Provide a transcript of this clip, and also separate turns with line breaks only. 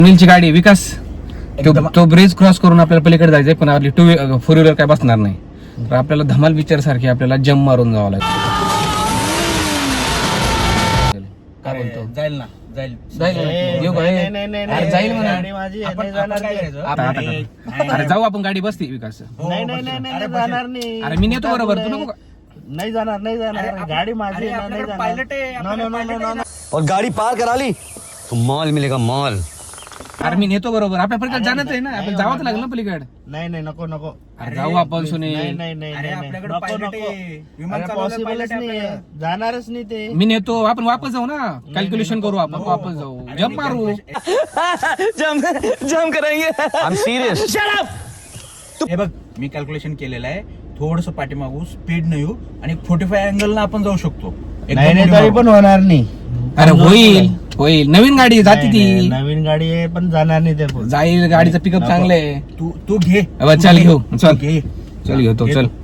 अनिलची गाडी विकास तो bridge cross करून आपल्याला पलीकडे जायचंय, पण आपली 4 व्हीलर काय बसणार नाही. तर आपल्याला धमाल पिक्चर सारखी आपल्याला जम्प मारून जावं लागेल. काय बोलतो?
जाईल ना, जाईल
येऊ का? अरे जाईल म्हणा. अरे जाऊ आपण, गाडी बसते विकास. अरे मी नेतो बरोबर, तू नको का?
नाही जाणार गाडी माझी
पायलट आहे.
और गाड़ी पार करा ली तो मॉल मिलेगा मॉल.
अरे मी नेतो बरोबर, आपल्या पलीकडे जाणंच आहे ना, आपण जावंच लागलं ना पलीकडे.
नाही नको
अरे जाऊ आपण सुनील.
आपल्याकडे पायलट आहे, विमान
पॉसिबलच नाही, जाणारच नाही ते.
मी नेतो, आपण वापस जाऊ ना, कॅल्क्युलेशन करू आपण, वापस जाऊ, जम्प मारू.
जम करेंगे. I am serious.
हे बघ, मी कॅल्क्युलेशन केलेलं आहे. थोडस पाठीमागू, स्पीड नाही येऊ आणि 45 अँगल ना आपण जाऊ शकतो.
नाही तरी पण होणार नाही.
अरे होईल, नवीन गाडी जाती ती.
नवीन गाडी आहे पण जाणार नाही ते.
जाईल, गाडीचं पिकअप चांगलं आहे.
तू घे,
चल घेऊ, चल
घे.
घेतो, चल.